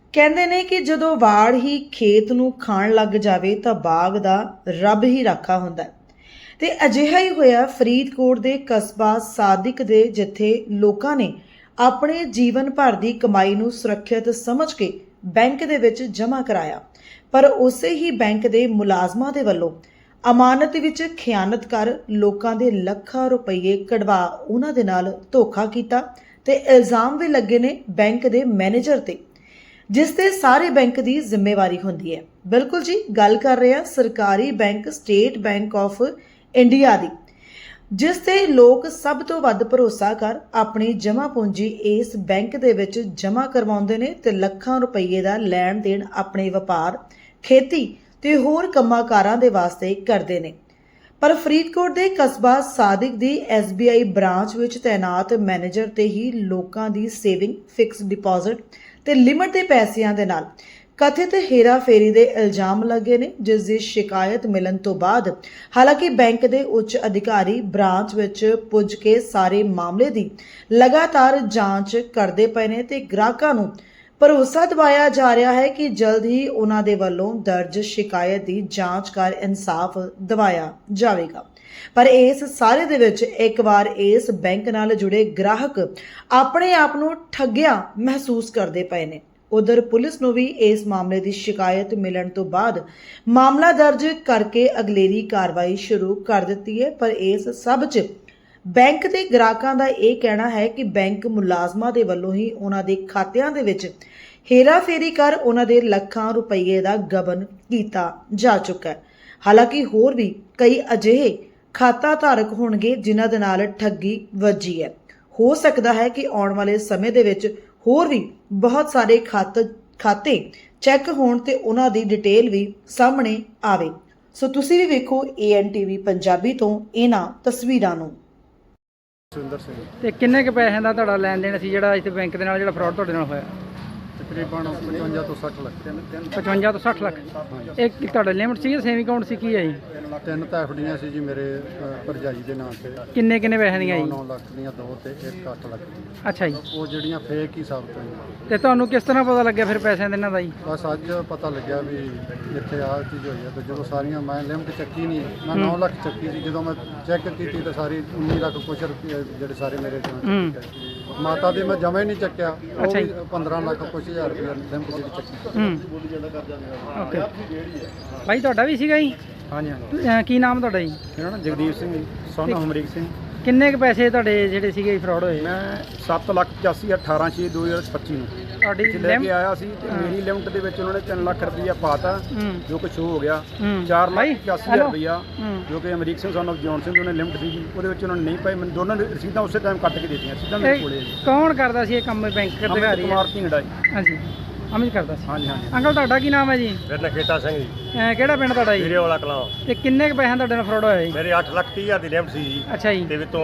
ਕਹਿੰਦੇ ਨੇ ਕਿ ਜਦੋਂ ਵਾੜ ਹੀ ਖੇਤ ਨੂੰ ਖਾਣ ਲੱਗ ਜਾਵੇ ਤਾਂ ਬਾਗ ਦਾ ਰੱਬ ਹੀ ਰਾਖਾ ਹੁੰਦਾ ਹੈ। ਤੇ ਅਜਿਹਾ ਹੀ ਹੋਇਆ ਫਰੀਦਕੋਟ ਦੇ ਕਸਬਾ ਸਾਦਿਕ ਦੇ, ਜਿੱਥੇ ਲੋਕਾਂ ਨੇ ਆਪਣੇ ਜੀਵਨ ਭਰ ਦੀ ਕਮਾਈ ਨੂੰ ਸੁਰੱਖਿਅਤ ਸਮਝ ਕੇ ਬੈਂਕ ਦੇ ਵਿੱਚ ਜਮ੍ਹਾਂ ਕਰਾਇਆ, ਪਰ ਉਸੇ ਹੀ ਬੈਂਕ ਦੇ ਮੁਲਾਜ਼ਮਾਂ ਦੇ ਵੱਲੋਂ ਅਮਾਨਤ ਵਿੱਚ ਖਿਆਨਤ ਕਰ ਲੋਕਾਂ ਦੇ ਲੱਖਾਂ ਰੁਪਏ ਕਢਵਾ ਉਹਨਾਂ ਦੇ ਨਾਲ ਧੋਖਾ ਕੀਤਾ ਤੇ ਇਲਜ਼ਾਮ ਵੀ ਲੱਗੇ ਨੇ ਬੈਂਕ ਦੇ ਮੈਨੇਜਰ ਤੇ, ਜਿਸ ਤੇ ਸਾਰੇ ਬੈਂਕ ਦੀ ਜ਼ਿੰਮੇਵਾਰੀ ਹੁੰਦੀ ਹੈ। ਬਿਲਕੁਲ ਜੀ, ਗੱਲ ਕਰ ਰਹੇ ਹਾਂ ਸਰਕਾਰੀ bank State Bank of India ਦੀ, ਜਿਸ ਤੇ ਲੋਕ ਸਭ ਤੋਂ ਵੱਧ ਭਰੋਸਾ ਕਰ ਆਪਣੀ ਜਮ੍ਹਾਂ ਪੂੰਜੀ ਇਸ ਬੈਂਕ ਦੇ ਵਿੱਚ ਜਮ੍ਹਾਂ ਕਰਵਾਉਂਦੇ ਨੇ ਤੇ ਲੱਖਾਂ ਰੁਪਏ ਦਾ ਲੈਣ ਦੇਣ ਆਪਣੇ ਵਪਾਰ, ਖੇਤੀ ਤੇ ਹੋਰ ਕੰਮਾਂ-ਕਾਰਾਂ ਦੇ ਵਾਸਤੇ ਕਰਦੇ ਨੇ। ਪਰ ਫਰੀਦਕੋਟ ਦੇ ਕਸਬਾ ਸਾਦਿਕ ਦੀ SBI ਬ੍ਰਾਂਚ ਵਿੱਚ ਤੈਨਾਤ ਮੈਨੇਜਰ ਤੇ ਹੀ ਲੋਕਾਂ ਦੀ ਸੇਵਿੰਗ, ਫਿਕਸ ਡਿਪਾਜ਼ਿਟ ਤੇ ਲਿਮਟ ਦੇ ਪੈਸਿਆਂ ਦੇ ਨਾਲ ਕਥਿਤ ਹੇਰਾਫੇਰੀ ਦੇ ਇਲਜ਼ਾਮ ਲੱਗੇ ਨੇ, ਜਿਸ ਦੀ ਸ਼ਿਕਾਇਤ ਮਿਲਣ ਤੋਂ ਬਾਅਦ ਹਾਲਾਂਕਿ ਬੈਂਕ ਦੇ ਉੱਚ ਅਧਿਕਾਰੀ ਬ੍ਰਾਂਚ ਵਿੱਚ ਪੁੱਜ ਕੇ ਸਾਰੇ ਮਾਮਲੇ ਦੀ ਲਗਾਤਾਰ ਜਾਂਚ ਕਰਦੇ ਪਏ ਨੇ ਤੇ ਗ੍ਰਾਹਕਾਂ ਨੂੰ ਭਰੋਸਾ ਦਿਵਾਇਆ ਜਾ ਰਿਹਾ ਹੈ ਕਿ ਜਲਦ ਹੀ ਉਹਨਾਂ ਦੇ ਵੱਲੋਂ ਦਰਜ ਸ਼ਿਕਾਇਤ ਦੀ ਜਾਂਚ ਕਰ ਇਨਸਾਫ ਦਿਵਾਇਆ ਜਾਵੇਗਾ। ਪਰ ਇਸ ਸਾਰੇ ਦੇ ਵਿੱਚ ਇੱਕ ਵਾਰ ਇਸ ਬੈਂਕ ਨਾਲ ਜੁੜੇ ਗ੍ਰਾਹਕ ਆਪਣੇ ਆਪ ਨੂੰ ਠੱਗਿਆ ਮਹਿਸੂਸ ਕਰਦੇ ਪਏ ਨੇ। ਉਧਰ ਪੁਲਿਸ ਨੂੰ ਵੀ ਇਸ ਮਾਮਲੇ ਦੀ ਸ਼ਿਕਾਇਤ ਮਿਲਣ ਤੋਂ ਬਾਅਦ ਮਾਮਲਾ ਦਰਜ ਕਰਕੇ ਅਗਲੇਰੀ ਕਾਰਵਾਈ ਸ਼ੁਰੂ ਕਰ ਦਿੱਤੀ ਹੈ। ਪਰ ਇਸ ਸਭ 'ਚ ਬੈਂਕ ਦੇ ਗ੍ਰਾਹਕਾਂ ਦਾ ਇਹ ਕਹਿਣਾ ਹੈ ਕਿ ਬੈਂਕ ਮੁਲਾਜ਼ਮਾਂ ਦੇ ਵੱਲੋਂ ਹੀ ਉਹਨਾਂ ਦੇ ਖਾਤਿਆਂ ਦੇ ਵਿੱਚ ਹੇਰਾਫੇਰੀ ਕਰ ਉਹਨਾਂ ਦੇ ਲੱਖਾਂ ਰੁਪਏ ਦਾ ਗਬਨ ਕੀਤਾ ਜਾ ਚੁੱਕਾ ਹੈ। ਹਾਲਾਂਕਿ ਹੋਰ ਵੀ ਕਈ ਅਜਿਹੇ ਖਾਤਾ ਧਾਰਕ ਹੋਣਗੇ ਜਿਨ੍ਹਾਂ ਦੇ ਨਾਲ ਠੱਗੀ ਵੱਜੀ ਹੈ। ਹੋ ਸਕਦਾ ਹੈ ਕਿ ਆਉਣ ਵਾਲੇ ਸਮੇਂ ਦੇ ਵਿੱਚ ਹੋਰ ਵੀ ਬਹੁਤ ਸਾਰੇ ਖਾਤੇ ਚੈੱਕ ਹੋਣ ਤੇ ਉਹਨਾਂ ਦੀ ਡਿਟੇਲ ਵੀ ਸਾਹਮਣੇ ਆਵੇ। ਸੋ ਤੁਸੀਂ ਵੀ ਵੇਖੋ ANTV ਪੰਜਾਬੀ ਤੋਂ ਇਹਨਾਂ ਤਸਵੀਰਾਂ ਨੂੰ। ਤੇ ਕਿੰਨੇ ਕੁ ਪੈਸਿਆਂ ਦਾ ਤੁਹਾਡਾ ਲੈਣ ਦੇਣ ਸੀ ਜਿਹੜਾ ਇੱਥੇ ਬੈਂਕ ਦੇ ਨਾਲ ਜਿਹੜਾ ਫਰਾਡ ਤੁਹਾਡੇ ਨਾਲ ਹੋਇਆ? ਤਕਰੀਬਨ 55 ਤੋਂ 60 ਲੱਖ 55 ਤੋਂ 60 ਲੱਖ। ਇਹ ਤੁਹਾਡਾ ਲਿਮਟ ਸੀ ਜਾਂ ਸੇਵਿੰਗ ਅਕਾਊਂਟ ਸੀ, ਕੀ ਹੈ ਜੀ? ਤਿੰਨ ਤਾਂ ਐਫਡੀਆਂ ਸੀ ਜੀ ਮੇਰੇ ਭਰਜਾਈ ਦੇ ਨਾਂ ਤੇ। ਕਿੰਨੇ ਪੈਸਿਆਂ ਦੀਆਂ ਜੀ? 9 ਲੱਖ ਦੀਆਂ ਦੋ ਤੇ 1 ਲੱਖ ਦੀ। ਅੱਛਾ ਜੀ। ਉਹ ਜਿਹੜੀਆਂ ਫੇਕ ਹੀ ਸਾਬਤ ਹੋਈਆਂ। ਤੇ ਤੁਹਾਨੂੰ ਕਿਸ ਤਰ੍ਹਾਂ ਪਤਾ ਲੱਗਿਆ ਫਿਰ ਪੈਸਿਆਂ ਦੇ ਇਹਨਾਂ ਦਾ ਜੀ? ਬਸ ਅੱਜ ਪਤਾ ਲੱਗਿਆ ਵੀ ਇੱਥੇ ਆਹ ਚੀਜ਼ ਹੋਈ ਹੈ। ਤੇ ਜਦੋਂ ਸਾਰੀਆਂ ਮੈਂ ਲਿਮਟ ਚੱਕੀ ਨਹੀਂ, ਮੈਂ 9 ਲੱਖ ਚੱਕੀ ਸੀ। ਜਦੋਂ ਮੈਂ ਚੈੱਕ ਕੀਤੀ ਤਾਂ ਸਾਰੀ 19 ਲੱਖ ਕੁਛ ਰੁਪਏ ਜਿਹੜੇ ਸਾਰੇ ਮੇਰੇ ਮਾਤਾ ਦੇ ਮੈਂ ਜਮਾ ਹੀ ਨਹੀਂ ਚੱਕਿਆ। ਉਹ ਵੀ 15 ਲੱਖ ਕੁਛ ਹਜ਼ਾਰ ਰੁਪਏ ਲਿਮਟ ਜਿਹੜੀ ਚੱਕੀ। ਓਕੇ ਭਾਈ, ਤੁਹਾਡਾ ਵੀ ਸੀਗਾ ਜੀ? ਹਾਂਜੀ ਹਾਂਜੀ। ਕੀ ਨਾਮ ਤੁਹਾਡਾ ਜੀ? ਮੇਰਾ ਨਾਮ ਜਗਦੀਪ ਸਿੰਘ ਜੀ, ਸੋਨਾ ਹਮਰੀਕ ਸਿੰਘ। ਕਿੰਨੇ ਕੁ ਪੈਸੇ ਤੁਹਾਡੇ ਜਿਹੜੇ ਸੀਗੇ ਫਰਾਡ ਹੋਏ? ਮੈਂ 7,85,18/6/2025 ਨੂੰ ਤੁਹਾਡੀ ਲੈ ਕੇ ਆਇਆ ਸੀ ਤੇ ਮੇਰੀ ਲਿਮਟ ਦੇ ਵਿੱਚ ਉਹਨਾਂ ਨੇ 3 ਲੱਖ ਰੁਪਈਆ ਪਾਤਾ, ਜੋ ਕਿ ਸ਼ੋ ਹੋ ਗਿਆ। 4,85,000 ਰੁਪਈਆ ਜੋ ਕਿ Amrik Singh son of John Singh ਉਹਨੇ ਲਿਮਟ ਸੀਗੀ, ਉਹਦੇ ਵਿੱਚ ਉਹਨਾਂ ਨੇ ਨਹੀਂ ਪਾਈ। ਮੈਨੂੰ ਦੋਨਾਂ ਨੇ ਰਸੀਦਾਂ ਉਸੇ ਟਾਈਮ ਕੱਟ ਕੇ ਦੇ ਦਿੱਤੀਆਂ, ਸਿੱਧਾ ਮੇਰੇ ਕੋਲੇ। ਕੌਣ ਕਰਦਾ ਸੀ ਇਹ ਕੰਮ? ਬੈਂਕ ਅਧਿਕਾਰੀ? ਕੁਮਾਰ ਢਿੰਗੜਾ ਜੀ। ਹਾਂਜੀ, ਅਮਿਤ ਕਰਦਾ ਸੀ। ਹਾਂਜੀ ਹਾਂਜੀ। ਅੰਕਲ ਤੁਹਾਡਾ ਕੀ ਨਾਮ ਹੈ ਜੀ? ਮੇਰਾ ਨਾਂ ਖੇਤਾ ਸਿੰਘ ਜੀ, ਕਿਹੜਾ ਪਿੰਡ ਤੁਹਾਡਾ ਜੀ? ਵੀਰੇ ਵਾਲਾ ਕਲਾਂ। ਤੇ ਕਿੰਨੇ ਕੁ ਪੈਸਿਆਂ ਤੁਹਾਡੇ ਨਾਲ ਫਰਾਡ ਹੋਇਆ ਜੀ? ਮੇਰੇ 8,30,000 ਦੀ ਲਿਮਟ ਸੀ ਜੀ। ਅੱਛਾ ਜੀ। ਤੇ ਵਿੱਚੋਂ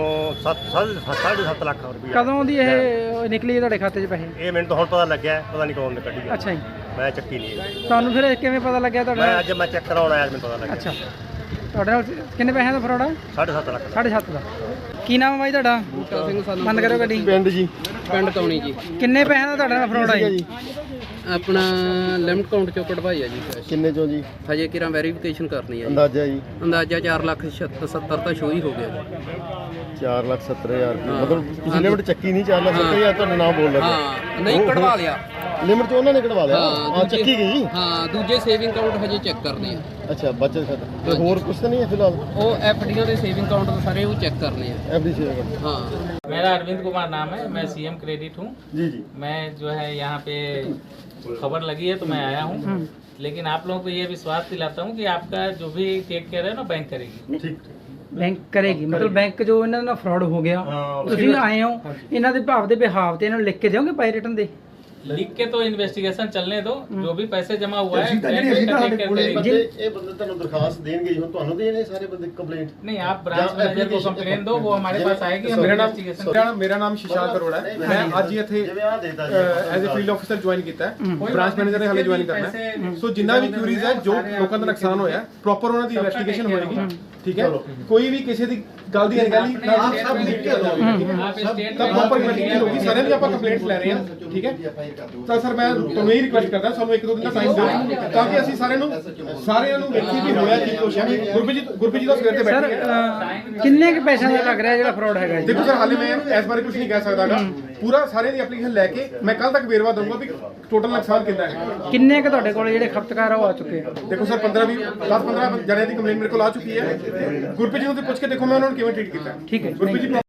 7.5 ਲੱਖ ਰੁਪਈਆ। ਕਦੋਂ ਦੀ ਇਹ ਨਿਕਲੀ ਤੁਹਾਡੇ ਖਾਤੇ 'ਚ ਪੈਸੇ? ਇਹ ਮੈਨੂੰ ਤਾਂ ਹੁਣ ਪਤਾ ਲੱਗਿਆ, ਪਤਾ ਨਹੀਂ ਕੌਣ ਨੇ ਕੱਢੀ। ਅੱਛਾ ਜੀ। ਮੈਂ ਚੱਕੀ ਨਹੀਂ ਹੈ। ਤੁਹਾਨੂੰ ਫਿਰ ਕਿਵੇਂ ਪਤਾ ਲੱਗਿਆ ਤੁਹਾਡੇ ਨਾਲ? ਅੱਜ ਮੈਂ ਚੈੱਕ ਕਰਾਉਣ ਆਇਆ, ਮੈਨੂੰ ਪਤਾ ਲੱਗਿਆ। ਅੱਛਾ, ਤੁਹਾਡੇ ਨਾਲ ਕਿੰਨੇ ਪੈਸਿਆਂ ਦਾ ਫਰਾਡ ਆ? 7.5 ਲੱਖ। 7.5 ਦਾ। ਕੀ ਨਾਮ ਹੈ ਬਾਈ ਤੁਹਾਡਾ? ਬੂਟਾ ਸਿੰਘ ਸਾਨੂੰ ਬੰਦ ਕਰੋ ਗੱਡੀ। ਪਿੰਡ ਜੀ, ਪਿੰਡ ਤੌਣੀ ਜੀ। ਕਿੰਨੇ ਪੈਸਿਆਂ ਦਾ ਤੁਹਾਡੇ ਨਾਲ ਫਰਾਡ ਆ ਜੀ? ਆਪਣਾ ਲਿਮਟ ਅਕਾਊਂਟ ਚੋਂ ਕਢਵਾਈ ਆ ਜੀ ਕੈਸ਼। ਕਿੰਨੇ ਚੋਂ ਜੀ? ਹਜੇ ਕਿਰਾਂ ਵੈਰੀਫਿਕੇਸ਼ਨ ਕਰਨੀ ਆ ਜੀ। ਅੰਦਾਜ਼ਾ ਜੀ? ਅੰਦਾਜ਼ਾ 4,70,000 ਤਾਂ ਸ਼ੋ ਹੀ ਹੋ ਗਿਆ ਜੀ। 4,70,000 ਮਤਲਬ ਤੁਸੀਂ ਲਿਮਟ ਚੱਕੀ ਨਹੀਂ? 4,70,000 ਤੁਹਾਡਾ ਨਾਮ ਬੋਲ ਲੱਗਾ? ਹਾਂ, ਨਹੀਂ ਕਢਵਾ ਲਿਆ ਲਿਮਟ ਚ ਉਹਨਾਂ ਨੇ ਕਢਵਾ ਲਿਆ? ਹਾਂ, ਚੱਕੀ ਗਈ। ਹਾਂ, ਦੂਜੇ ਸੇਵਿੰਗ ਅਕਾਊਂਟ ਹਜੇ ਚੈੱਕ ਕਰਦੇ ਆ। ਅੱਛਾ, ਬਚਤ ਖਾਤਾ ਤੇ ਹੋਰ ਕੁਝ ਤਾਂ ਨਹੀਂ ਹੈ ਫਿਲਹਾਲ? ਉਹ ਐਫਡੀਆਂ ਦੇ ਸੇਵਿੰਗ ਅਕਾਊਂਟ ਸਾਰੇ ਉਹ ਚੈੱਕ ਕਰਨੇ ਆ। एफडी से? हाँ। मेरा अरविंद कुमार नाम है, मैं CM क्रेडिट हूँ। जी जी। मैं जो है यहाँ पे खबर लगी है तो मैं आया हूँ, लेकिन आप लोगों को ये विश्वास दिलाता हूँ कि आपका जो भी टेक केयर है ना बैंक करेगी। ठीक। ਬੈਂਕ ਕਰੇਗੀ? ਮਤਲਬ ਬੈਂਕ ਜੋ ਇਹਨਾਂ ਨਾਲ ਫਰਾਡ ਹੋ ਗਿਆ, ਤੁਸੀਂ ਆਏ ਹੋ, ਇਹਨਾਂ ਦੇ ਭਾਵ ਦੇ ਬਿਹਾਵ ਤੇ ਇਹਨਾਂ ਨੂੰ ਲਿਖ ਕੇ ਦਿਓਗੇ ਬਾਈ ਰਿਟਨ ਦੇ? लिख के तो इन्वेस्टिगेशन चलने दो, जो भी पैसे जमा हुआ है बैंक उसका टेक केयर करेगी। ਇਹ ਬੰਦੇ ਤੁਹਾਨੂੰ ਦਰਖਾਸਤ ਦੇਣਗੇ ਜੀ, ਹੁਣ ਤੁਹਾਨੂੰ ਦੇਣੇ ਸਾਰੇ ਬੰਦੇ ਕੰਪਲੇਂਟ? नहीं, आप ब्रांच मैनेजर को कंप्लेन दो, वो हमारे पास आएगी, हम इन्वेस्टिगेशन। ਮੇਰਾ ਨਾਮ ਸ਼ਿਸ਼ਾਂਕ ਅਰੋੜਾ ਹੈ। ਮੈਂ ਅੱਜ ਹੀ ਇੱਥੇ as a field officer join ਕੀਤਾ ਹੈ। ਬ੍ਰਾਂਚ ਮੈਨੇਜਰ ਨੇ ਹਾਲੇ ਜੁਆਇਨ ਕਰਨਾ ਹੈ। ਸੋ ਜਿੰਨਾ ਵੀ ਕਿਊਰੀਜ਼ ਹੈ, ਜੋ ਲੋਕਾਂ ਦਾ ਨੁਕਸਾਨ ਹੋਇਆ, ਪ੍ਰੋਪਰ ਉਹਨਾਂ ਦੀ ਇਨਵੈਸਟੀਗੇਸ਼ਨ ਹੋਏਗੀ ਠੀਕ ਹੈ ਕੋਈ ਵੀ ਕਿਸੇ ਦੀ ਗੱਲ ਦੀ ਅਣਗਹਿਲੀ ਨਾ ਸਭ ਲਿਖ ਕੇ ਦੋ आप स्टेट ਤਾਂ ਪ੍ਰੋਪਰ ਇਨਵੈਸਟੀਗੇਸ਼ਨ ਹੋਗੀ ਸਾਰਿਆਂ ਦੀ ਆਪਾਂ ਕੰਪਲੇਂਟਸ ਲੈ ਰਹੇ ਹਾਂ ਠੀਕ ਹੈ ਤਾਂ ਸਰ ਮੈਂ ਤੁਹਾਨੂੰ ਇਹ ਰਿਕੁਐਸਟ ਕਰਦਾ ਸਾਨੂੰ 1-2 ਦਿਨ ਦਾ ਟਾਈਮ ਦਿਓ ਤਾਂ ਕਿ ਅਸੀਂ ਸਾਰਿਆਂ ਨੂੰ ਵੇਖੀ ਵੀ ਹੋਇਆ ਕੀ ਕੁਛ ਹੈ ਗੁਰਪ੍ਰੀਤ ਜੀ ਦਾ ਸਵੇਰ ਤੇ ਸਰ ਬੈਠੇ ਕਿੰਨੇ ਕੁ ਪੈਸਿਆਂ ਦਾ ਲੱਗ ਰਿਹਾ ਜਿਹੜਾ ਫਰਾਡ ਹੈਗਾ ਜੀ ਦੇਖੋ ਸਰ ਹਾਲੇ ਮੈਂ ਇਸ ਬਾਰੇ ਕੁਝ ਨਹੀਂ ਕਹਿ ਸਕਦਾਗਾ ਪੂਰਾ ਸਾਰਿਆਂ ਦੀ ਐਪਲੀਕੇਸ਼ਨ ਲੈ ਕੇ ਮੈਂ ਕੱਲ ਤੱਕ ਵੇਰਵਾ ਦਊਂਗਾ ਵੀ ਟੋਟਲ ਨੁਕਸਾਨ ਕਿੰਨਾ ਹੈ ਕਿੰਨੇ ਕੁ ਤੁਹਾਡੇ ਕੋਲ ਜਿਹੜੇ ਖਪਤਕਾਰ ਆ ਉਹ ਆ ਚੁੱਕੇ ਆ ਦੇਖੋ ਸਰ 10-15 ਜਣਿਆਂ ਦੀ ਕੰਪਲੇਂਟ ਮੇਰੇ ਕੋਲ ਆ ਚੁੱਕੀ ਹੈ ਗੁਰਪ੍ਰੀਤ ਜੀ ਨੂੰ ਤੇ ਪੁੱਛ ਕੇ ਦੇਖੋ ਮੈਂ ਉਹਨਾਂ ਨੂੰ ਕਿਵੇਂ ਟ੍ਰੀਟ ਕੀਤਾ ਠੀਕ ਹੈ ਗੁਰਪ੍ਰੀਤ ਜੀ